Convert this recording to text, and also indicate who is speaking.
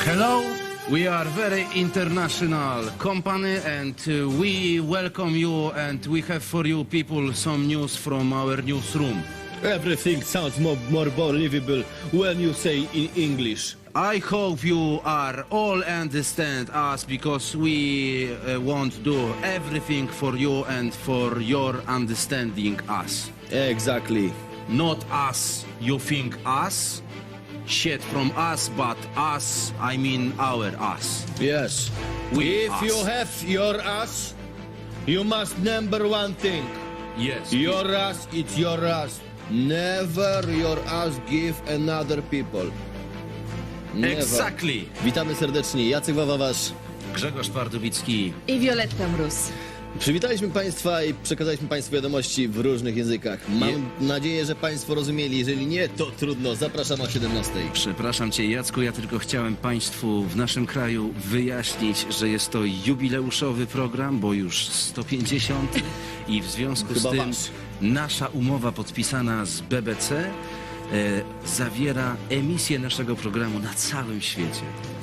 Speaker 1: Hello, we are very international company and we welcome you and we have for you people some news from our newsroom.
Speaker 2: Everything sounds more believable when you say in English.
Speaker 1: I hope you are all understand us because we want do everything for you and for your understanding us.
Speaker 2: Exactly.
Speaker 1: Not us, you think us? Shit from us, but us, I mean our us.
Speaker 2: Yes.
Speaker 1: We
Speaker 2: If
Speaker 1: us.
Speaker 2: you have your ass, you must number one thing.
Speaker 1: Yes.
Speaker 2: Your ass, it's your ass. Never your ass give another people. Never.
Speaker 1: Exactly.
Speaker 2: Witamy serdecznie. Jacek Wawawasz.
Speaker 1: Grzegorz Twardowicki.
Speaker 3: I Violetta Mróz.
Speaker 2: Przywitaliśmy Państwa i przekazaliśmy Państwu wiadomości w różnych językach. Mam nadzieję, że Państwo rozumieli. Jeżeli nie, to trudno. Zapraszam o 17.
Speaker 1: Przepraszam Cię, Jacku, ja tylko chciałem Państwu w naszym kraju wyjaśnić, że jest to jubileuszowy program, bo już 150 i w związku
Speaker 2: Chyba
Speaker 1: z tym
Speaker 2: wasz.
Speaker 1: nasza umowa podpisana z BBC zawiera emisję naszego programu na całym świecie.